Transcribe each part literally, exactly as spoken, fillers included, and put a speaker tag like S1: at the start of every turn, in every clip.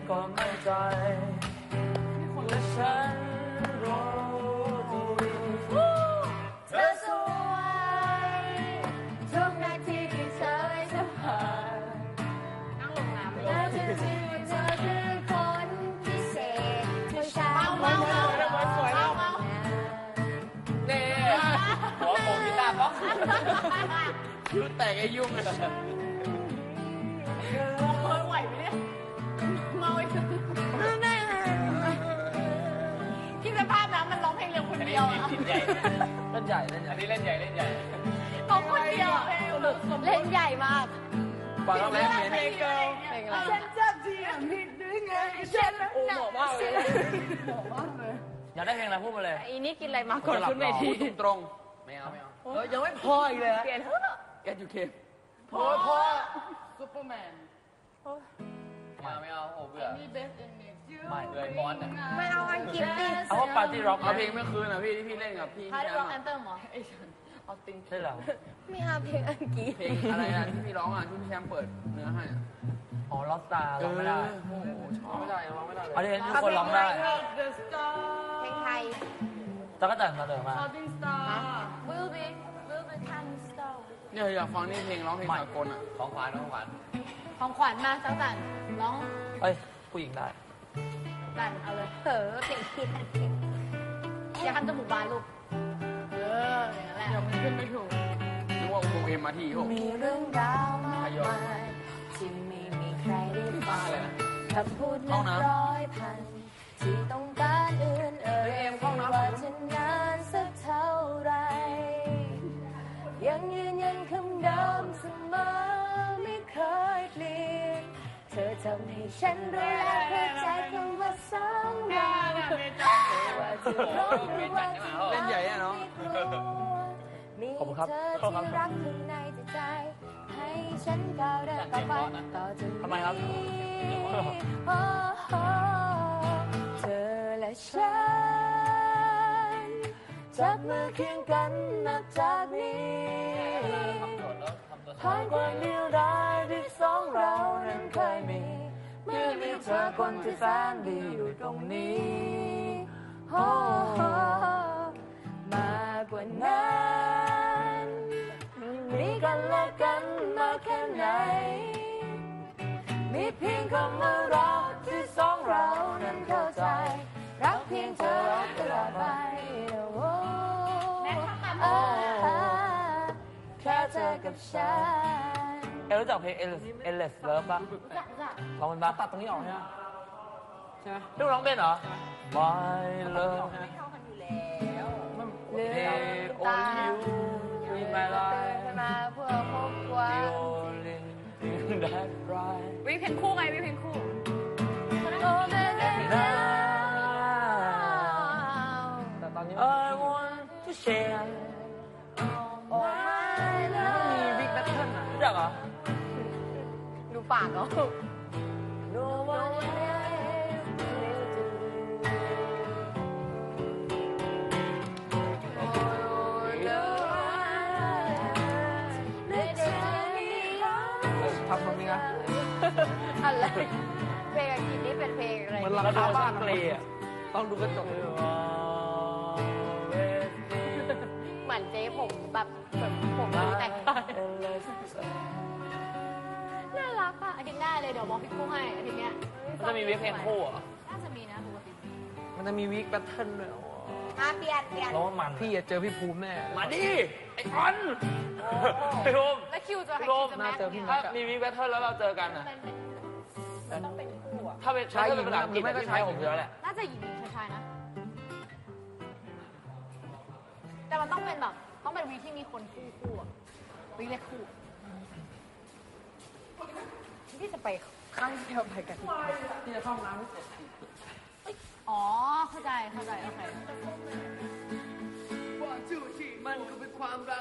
S1: ก็ไม่ใจและฉันรู้
S2: เธอสวยทุกนาทีที่เธอได้สัมผัสนั่งลงน้ำและจริงๆเธอคือคนพิเศษผู้ชายเมาเมาเมาสวยเมาเมา
S1: นี่หัวโผล่กีตาร์ป๊อกคิ้วแตกไอ้ยุ่งเลย
S2: ไหวไหมเนี่ยเมาอีกคิดสภาพนะมันร้องเพลงเร็วคนเดียวอ่ะ
S1: เล่นใหญ่เล่นใหญ่อันนี้เล่นใหญ่เล่นใหญ่
S2: เขาคนเดียวเล่นใหญ่มาก
S1: ฟังแล้วเพลงเพลง
S2: เพลงอะไรฉันจะเทียมผิดหรือไงฉันโอ้โหมากเลยโหมากเลย
S1: อยากได้เพลงอะไรพูดมาเลย
S2: อีนี่กินอะไรมาก่อนขึ้นเวที
S1: ตรงไม่เอาไม่เอาเฮ้ยยังไม่พออีกเลย
S2: เปลี่ยนเถอะ
S1: แกอยู่เคมพอพอซุปเปอร์แมนไม่เอาไม่เอาโอ้เบื่อไม่เลยบอสอ่ะ
S2: ไม่เอาอังกฤษดิ
S1: เอาว่าปาร์ตี้ร็อกเอาเพลงเมื่อคืนอ่ะพี่ที่พี่เล่นกับพี่
S2: ปาร์ตี้ร็อกแอนเตอร์หรอ
S1: เอาติงใช่เหรอ
S2: ไม่เอาเพลงอังกฤษ
S1: เพลงอะไรอ่ะที่พี่ร้องอ่ะที่พี่แชมป์เปิดเนื้อให้อ๋อล็อกสตาร์ร้องไม่ได้โอ้ชอบไม่ได้ร้องไม่ได้เลยอันนี้ทุกคนร้องได้
S2: เพลงไทย
S1: ตะกั่วแต่งมาเดิมมา
S2: Will be Will be time star
S1: เนี่ยอยากฟังนี่เพลงร้องเพลงสากลอ่ะของขวัญของขวัญ
S2: ของขวัญมาจังจันร้อง
S1: เอ้ยผู้หญิงได้
S2: จันเอาเลยเออเพลงผิดอย่าทำจมูกบานลูกเอออย่างนั้นแหละ
S1: เดี๋ยวมันขึ้นไม่ถูกนึกว่าอุโมงค์เอ็มมาที่หก
S2: มีเรื่องราวมากมายที่ไม่มีใครได้ฟังคำพูดนับร้อยพันที่ต้องการอื่นเอ่ยว่าจะนานสักเท่าไรยังยืนยันคำเดิมเสมอไม่เคยเปลี่ยนเธอทำให้ฉันรู้และเข้าใจคำว่าสองเราว่าจะร้องหรือว่าจะ
S1: เล่นใหญ่อะเนาะ
S2: มีเธอที่รักข้างในใจให้ฉันก้าวเดินต่อไปต่อจากนี้
S1: ทำไมครับ
S2: เธอและฉันจับมือเคียงกันนับจากนี้ผ่านความเดียวดายที่สองเรานั้นเคยมีเมื่อมีเธอคนที่แสนดีอยู่ตรงนี้มากกว่านั้นมีกันและกันมาแค่ไหนมีเพียงคำว่าเราที่สองเรานั้นเข้าใจรักเพียงเธอตลอดไปแค่เธอกับฉัน
S1: เอลรู้จักเพลง Endless Love ป่ะลองมันบ้างตัดตรงนี้ออกใช่ไหมใช่ไหมลูกร้องเป็นเหรอ My Love
S2: ไม่เข้ากันอยู่แล้ว
S1: Only You in my life
S2: มาเพื่อครอบครัว
S1: The only thing that right
S2: วิเพลงคู่ไงวิเพลงคู่
S1: แต่ตอนนี้ I want to share มีวิกแบทเทิลอ่ะรู้จักเหรอ
S2: ดูปากเหรอ No one
S1: ทำตรงนี้นะ
S2: อะไรเพลงอังกฤษนี่เป็นเพลงอะไร
S1: เหมือนราคาบ้านเลยอ่ะต้องดูกระจก
S2: เหมือนเจ๊ผมแบบแบบผมแต่งน่ารักอ่ะอาทิตย์หน้าเลยเดี๋ยวบอกพี่กุ้งให้อาทิตย์เนี้ย
S1: มันจะมีวิกเพลงคู่อ่ะ
S2: น่าจะมีนะปกติ
S1: มันจะมีวิกแบทเทิลด้วย
S2: มาเปลี่ยนเปลี่ยน
S1: แล้วมันพี่จะเจอพี่ภูมิแน่มาดิไอ้ออนพี่ภูมิ
S2: แล้วคิวจะให้
S1: คิวจะแม่ถ้ามีวิกแบทเทิลแล้วเราเจอกันอ่ะ
S2: ต้องเป็นคู่อ่ะ
S1: ถ้าเป็นใช้หญิงภาษาอังกฤษไม่ก็ใช้ผมเยอะแหละ
S2: น่าจะหญิงหญิงชายๆนะแต่มันต้องเป็นแบบต้องเป็นวีที่มีคนคู่คู่อ่ะวีเล็กคู่ที่จะไปข้างเดียวไปกัน
S1: ที่จะเข้าน้ำไม่เสร็จ
S2: อ๋อเข้าใจเข้าใจโอเค
S1: มันก็เป็นความรัก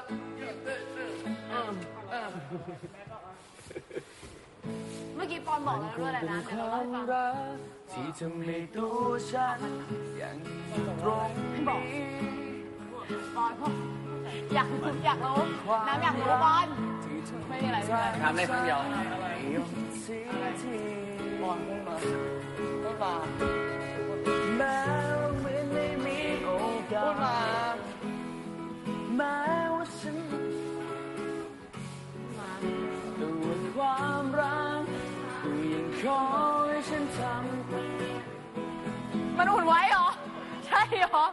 S2: เมื่อกี้ปอนบอกแล้วด้วยแหละนะเดี๋ยวเราให้ฟัง
S1: ที่ทำให้ตัวฉันยังตรงนี้
S2: ปอนอยากอยากรู้น้ำอยากรู้ปอนไม่มีอะไรไม่มีอะไร
S1: ทำได้ครั้งเดียวปอน
S3: ดมา
S1: แม้ไม่ไม่มีโอกา
S3: พู
S1: ส
S3: ดมา
S1: แม้ว่าฉันด้วยความรักก็ยังขอให้ฉันทำ
S2: มันอุ่นไว้เหรอ ใช่เหรอ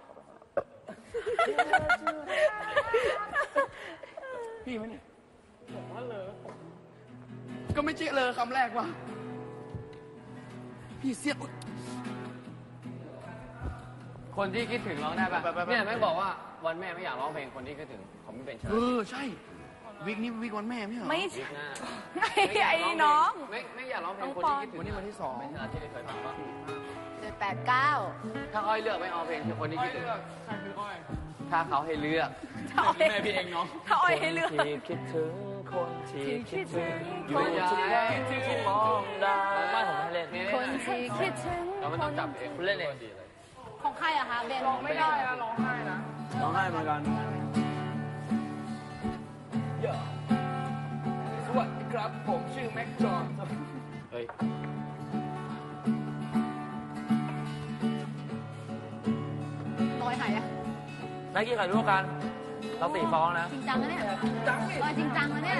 S3: พี่ไหมเนี่ยบอกว่าเลยก็ไม่ใช่เลยคำแรกว่ะพี่เสียอุ๊ย
S4: คนที่คิดถึงร้องได้ป่ะเนี่ยแม่งบอกว่าวันแม่ไม่อยากร้องเพลงคนที่คิดถึงผมไม่เป็นเชิญ
S3: เออใช่วิกนี้วิกวันแม่ไม่เหรอ
S2: ไม่
S4: วิ
S2: ใช่
S4: กหน้า
S2: ไอ้น้อง
S4: ไม่ไม่อยากร้องเพลงคนที่คิดถึง
S3: วันนี้วันที่สอง
S4: ไม่ใช่ที่เคยฟังว่า
S2: เจ็ดแปดเก้า
S4: ถ้าอ้อยเลือกไม่เอาเพลงคือคนที่คิดถึง
S3: ใครคืออ้อย
S4: ถ้าเขาให้เลือก
S2: ถ้าอ้อย
S3: แม่พี่เองเนาะ
S2: ถ้าอ้อยให้เลือก
S1: ที่คิดถึงคนที่คิดถึงอยู่
S4: ไม่
S1: ทุก
S4: ใช่
S1: ครั้งที่มองดาวไม่ผมให้เล่น
S2: คนที่คิดถึง
S4: เราไม่ต้องจับเอง
S1: คุณเล่นเอง
S2: ของใครอะคะเบน
S3: ร้องไม่ได้นะร้องไห้นะ
S1: ร้องไห้เหมือนกัน
S3: สวัสดีครับผมชื่อแม็กจอน
S4: เฮ้ย
S2: น้อยหายอะ
S1: นักกีฬาร่วมกัน เราตีฟ้องนะ
S2: จริงจังนะเนี่ย
S3: จังดิ
S2: เออจริงจังนะเนี่ย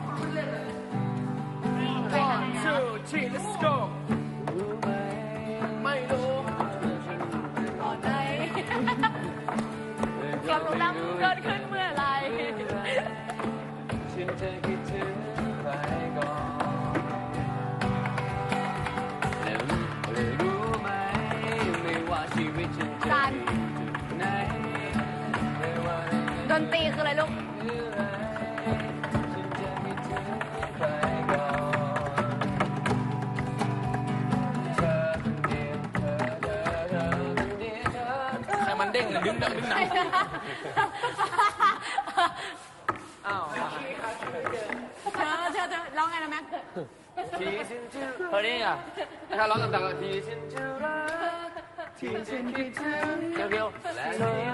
S2: ไปหา
S3: ชื่อชี let's go ไม่รู้
S2: ก่อนเลยความรู้ดำเกิดขึ้นเมื่อไหร
S1: ฉันจะคิดถึงใครก่อนแล้วเลยรู้ไหมไม่ว่าชีวิตฉันจะ
S2: การ
S1: ไหนไม่ว่า
S2: ดนตรีคืออะไรลูก
S1: เมื่อไรฉันจะคิดถึงใครก่อนเธอคนเดียวเธอเธอเธอคนเดียวเธอ
S3: ใครมันเด้งหรือดึงดังดึงดัง
S4: อ้าว
S2: เธอเธอเธอร้องไงนะแม็ก
S4: ที่ฉันจะ
S1: เฮ้ยนี่อ่ะ
S4: ถ้าร้องดังๆที่ฉันจะรักที่ฉันคิดถึง
S1: เกียวเกียว
S4: และเธอ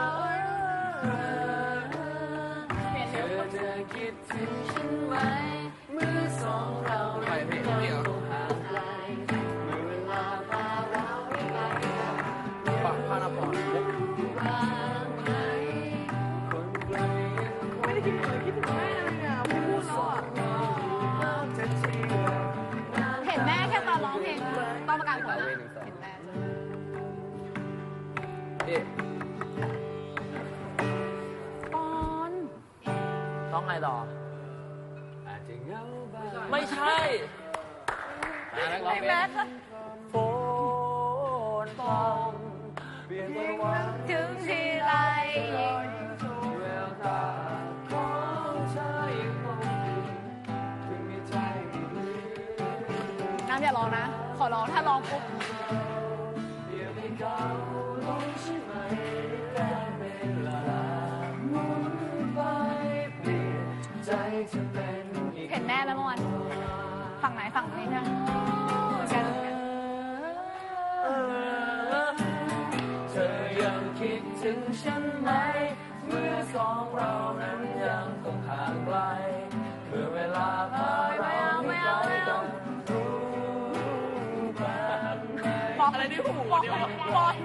S4: เธอจะคิดถึงฉันไหมเมื่อสองเรา
S3: ไปพี่พี่เหรอ
S4: ห่างไกลเมื่อเวลาพาเราไปไกลกัน
S3: ปักพานาพร
S4: บ้างไหมคนไกลยังคง
S3: ไม่ได้คิดถึงคิดถึงแม่เลยอ่ะไม่พูดแล้วอ่ะ
S4: จะเที่ยว
S2: เห็นแม่แค่ตอนร้องเพลงตอนประกาศผลนะเห็นแม่
S3: เอ๊ะ
S2: ปอน
S1: ร้องไงต่อ
S4: อาจจะเหงาบ้าง
S1: ไม่ใช่
S4: อ่ะแล้วร้องเพล
S2: แม็
S4: ง
S2: ก
S1: ฝนพรำเปลี่ยนไปวัน
S2: ถึงทีไร
S4: แววตาของเธอยังคงอยู่ถึงมีใจไม่ลืม
S2: น้ำอย่าร้องนะ ขอร้องถ้าร้องปุ๊บ
S4: เพียงให้เขาลงใช่ไหมการเวลาหมุนไปเปลี่ยนใจจะเป็นอีก
S2: เห็นแม่ไหมเมื่อวานฝั่งไหนฝั่งนี้นะเหมือนกัน
S1: เธอยังคิดถึงฉันไหม เมื่อสองเรานั้นยังคงห่างไกลเมื่อเวลาพาเราไม่ไกลกันรู้บ้างไหม
S2: ปอนอะไรที่หูเดียวปอน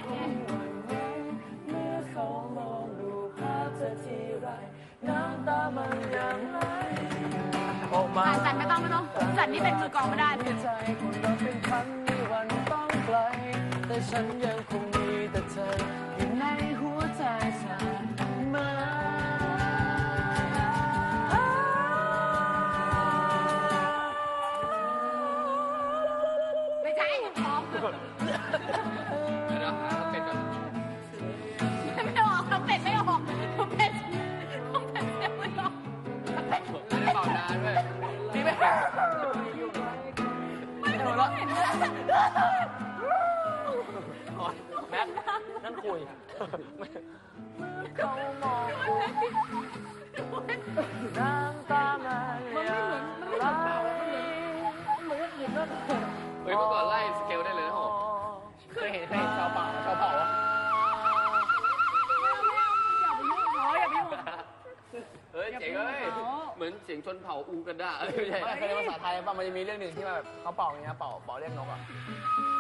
S1: เมื่อเขามองดูภาพเธอทีไรน้ำตามันยังไหลออกมา
S2: อ่านสันไม่ต้องไม่ต้องสันนี่เป็นมือกลองไม่ได้
S1: ใจคนเราเป็นพันมีวันต้องไกล แต่ฉันยังคงมีแต่เธออยู่ในหัวใจเสมอ
S2: ไม่ใช่พร้อม
S4: เดี๋ยวหาเป็นก่อน
S2: ไม่ออกทำเป็ดไม่ออกทำเป็ดทำเป็ดไม่ออกทำเป็ด
S4: ไม่ได้เป่านานด้วย
S3: พี่ไม่เห็น
S2: ไม่รู้เห็นเลย
S1: แม็กนั่นคุย
S2: เขามอง
S1: น้ำตามันยังไหล
S4: เฮ้ยเมื่อก่อนไล่สเกลได้เลยนะผม
S3: เคยเห็นเคยเห็นชาวป่าชาวเผ่าอ่ะ
S2: อย่าไปยุ่งเขาอย่าไปยุ่ง
S4: เฮ้ยเจ๋งเอ้ยเหมือนเจ๋ง
S3: ชนเผ่าอูกันดาเอ้ยไม่ใช่
S1: ไม่เคยเรียนภาษาไทยป่ะมันจะมีเรื่องหนึ่งที่มาแบบเขาเป่าอย่างเงี้ยเป่าเป่าเรียกนกอ่ะ